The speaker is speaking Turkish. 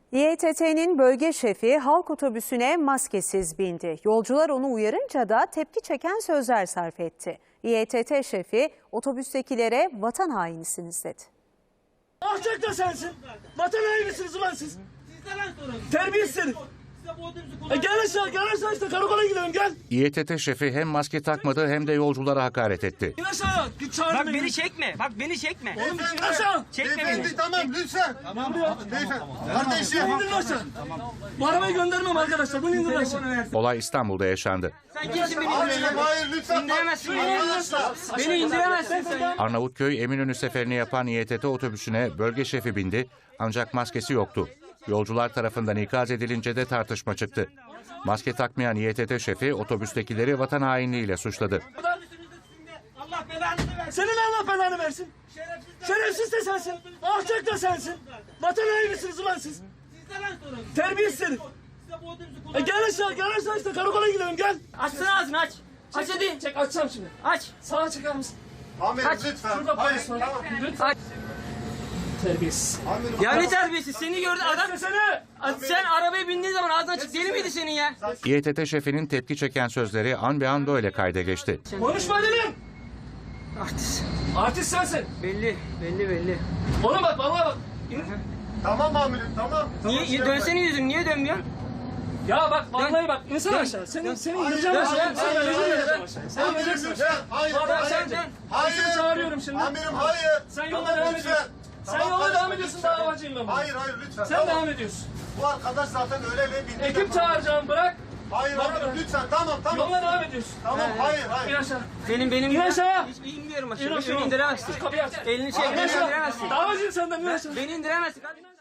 İETT'nin bölge şefi halk otobüsüne maskesiz bindi. Yolcular onu uyarınca da tepki çeken sözler sarf etti. İETT şefi otobüstekilere vatan hainisiniz dedi. Alçak da sensin. Vatan hainisiniz ulan siz. Terbiyesiz. Gel aşağı işte karakola gidelim gel. İETT şefi hem maske takmadı hem de yolculara hakaret etti. İn aşağı. Git çağır Bak beni çekme. Bak beni çekme. Oğlum in aşağı. Çekme beni. Beyefendi tamam lütfen. Tamam beyefendi. Kardeşim. İndirin aşağı. Bu arabayı göndermem arkadaşlar. Bunu indirin aşağı. Olay İstanbul'da yaşandı. Sen kimsin beni Hayır, indiremezsin? hayır lütfen. İndiremezsin beni. Arkadaşlar. Beni indiremezsin sen. Arnavutköy Eminönü seferini yapan İETT otobüsüne bölge şefi bindi ancak maskesi yoktu. Yolcular tarafından ikaz edilince de tartışma çıktı. Maske takmayan İETT şefi otobüstekileri vatan hainliğiyle suçladı. Allah belanı versin. Senin Allah belanı versin. Şerefsiz de sensin. Alçak da sensin. Vatan hainisiniz ulan siz. Terbiyesiz. Gel aşağı işte karakola gidelim gel. Açsana ağzını aç. Aç hadi. Çek açacağım şimdi. Aç. Sağa çeker misin? Amirim Kaç. lütfen. Şurada Hayır polis var. tamam. Lütfen. Terbiyesiz. Amirim. Ya ne terbiyesiz. Seni gördü adam. Sesini. Sen arabaya bindiğin zaman ağzın açık deli miydi senin ya? İETT şefinin tepki çeken sözleri an be an böyle kayda geçti. Konuşma dedim. Artist. Artist sensin. Belli. Oğlum bak bana bak. Tamam amirim tamam. Niye dönsene yüzün niye dönmüyorsun? Ya bak vallahi bak insan aşağı. Seni indireceğim Hayır, aşağı. hayır, Sen Amirim ineceksin. lütfen. Hayır. Sen Dön. Polisimi çağırıyorum şimdi. Amirim hayır. Sen yoluna Tamam, devam lütfen. ediyorsun. Sen Tamam, yoluna kardeşim, devam ediyorsun lütfen. davacıyım ben. Hayır lütfen. Sen tamam. devam ediyorsun. Bu arkadaş zaten öyle ve bindi. Ekip çağıracağım bırak. Hayır amirim lütfen tamam. Yoluna devam ediyorsun. Tamam hayır. İn aşağı. Benim İn aşağı. Hiç inmiyorum İn aşağı. aşağı. Beni indiremezsin. Kapıyı aç. Elini çek. İn Beni aşağı. indiremezsin. Davacıyım senden in aşağı. Beni indiremezsin.